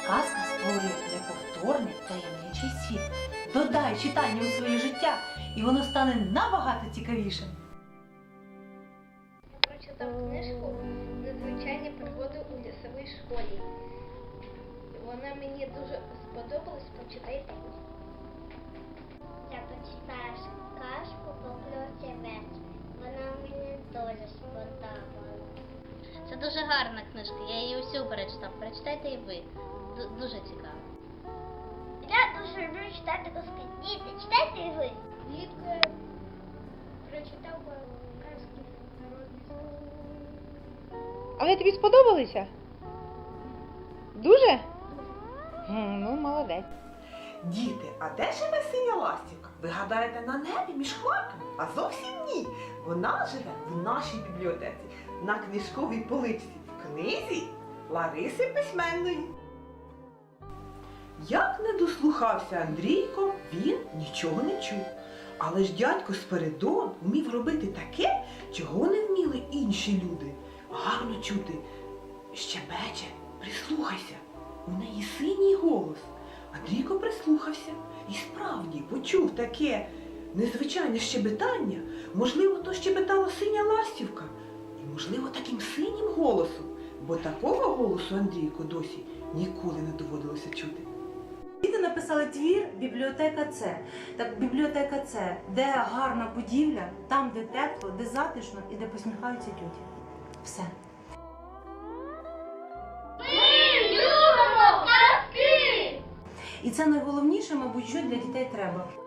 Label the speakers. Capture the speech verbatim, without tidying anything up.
Speaker 1: Казка створює неповторний таємничий світ. Додай читання у своє життя, і воно стане набагато цікавішим.
Speaker 2: Я прочитав книжку «Незвичайні пригоди у лісовій школі». Вона мені дуже сподобалась, почитайте.
Speaker 3: Я почитаю казку «Поплюсівець». Вона мені дуже сподобалась.
Speaker 4: Це дуже гарна книжка, я її усю перечитав. Прочитайте і ви. Д- дуже цікаво.
Speaker 3: Я дуже люблю читати казки. Діти, читайте і ви.
Speaker 2: Влітку прочитав казки народних сказок.
Speaker 5: Але тобі сподобалися? Дуже? М, Ну, молодець.
Speaker 6: Діти, а де живе синя ластівка? Ви гадаєте, на небі між хмарками? А зовсім ні. Вона живе в нашій бібліотеці, на книжковій поличці, в книзі Лариси Письменної. Як не дослухався Андрійко, він нічого не чув. Але ж дядько Спиридон вмів робити таке, чого не вміли інші люди. Гарно чути. Щебече, прислухайся, у неї синій голос. Андрійко прислухався і справді почув таке незвичайне щебетання. Можливо, то щебетала синя ластівка. І, можливо, таким синім голосом. Бо такого голосу Андрійку досі ніколи не доводилося чути.
Speaker 1: Діти написали твір «Бібліотека Це». Так, бібліотека Це, де гарна будівля, там, де тепло, де затишно і де посміхаються тьоті. Все.
Speaker 3: Ми любимо казки!
Speaker 1: І це найголовніше, мабуть, що для дітей треба.